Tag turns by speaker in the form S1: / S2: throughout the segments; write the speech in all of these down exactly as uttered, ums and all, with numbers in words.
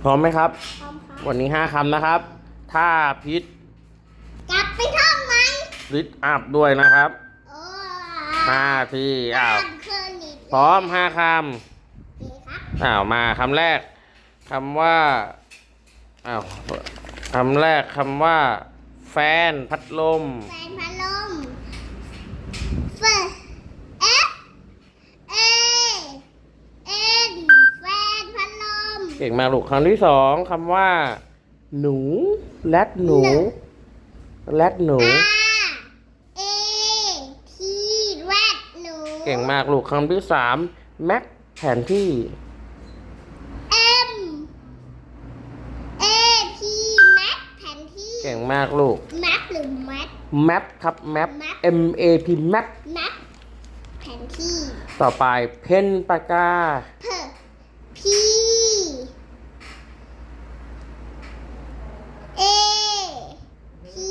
S1: พร้อมไหมครับ
S2: พร้อมครับ
S1: วันนี้ห้าคำนะครับถ้าพิษ
S2: กลับไปท่องไหม
S1: ลิดอัพด้วยนะครับ
S2: โอ้
S1: ห้าทีอ้าว
S2: เคยนิด
S1: พร้อมห้าค
S2: ดีครับ
S1: ำอ้าวมาคำแรกคำว่าอ้าวคำแรกคำว่าแฟนพัดลม
S2: แฟนพัดลมเฟเอฟเอเอ็นแฟนพัดลม
S1: เก่งมากลูกคำที่สองคำว่าหนูแรดหนูแรดหนู
S2: อาเอทีแรดหนู
S1: เก่งมากลูกคำที่สามแม็กแผนที่
S2: เอ็มเอพีแม็กแผนที่
S1: เก่งมากลูก
S2: แม็กหรือแม็ก
S1: แมปครับแมป M A P แมป
S2: แม็กแผนที่
S1: ต่อไปเพนปากกา
S2: เพพีเอพี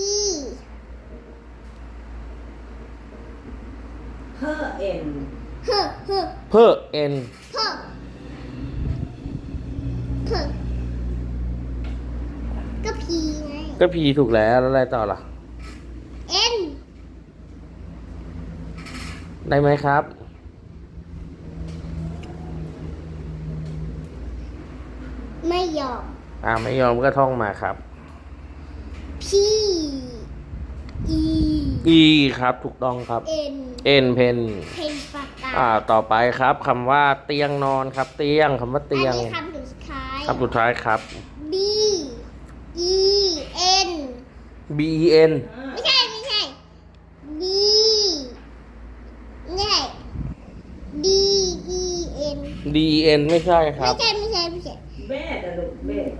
S3: เพื่อเอ็น
S2: เฮ้อเฮ้อ
S1: เพื่อเอ็น
S2: เฮ้อเฮ้อก็พีไง
S1: ก็พีถูกแล้วแล้วอะไรต่อล่ะ
S2: เอ็น
S1: ได้ไหมครับ
S2: ไม่ยอม
S1: อ่าไม่ยอมก็ท่องมาครับ
S2: พีอี
S1: E ครับถูกต้องครับ
S2: เอ็น
S1: N เพน
S2: เพนปากกา
S1: อ่าต่อไปครับคำว่าเตียงนอนครับ เตียงคำว่าเตียง
S2: อันนี้คำสุดท้าย
S1: คำสุดท้ายครับ
S2: B E N
S1: B E N
S2: ไม่ใช่ไม่ใช่ B ไม่ใช่ D E N
S1: D E N ไม่ใช่ครั
S2: ไม่
S1: บ
S2: ใช่ไม่ใช่ไม่ใช่
S3: เบสอะลูกเบส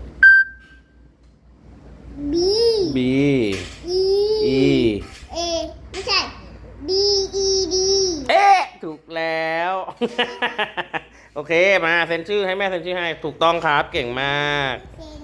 S2: B
S1: B
S2: E
S1: E
S2: A ไม่ใช่ D E D
S1: เอ๊ะถูกแล้ว โอเคมาเซ็นชื่อให้แม่เซ็นชื่อให้ถูกต้องครับเก่งมาก
S2: เซ็น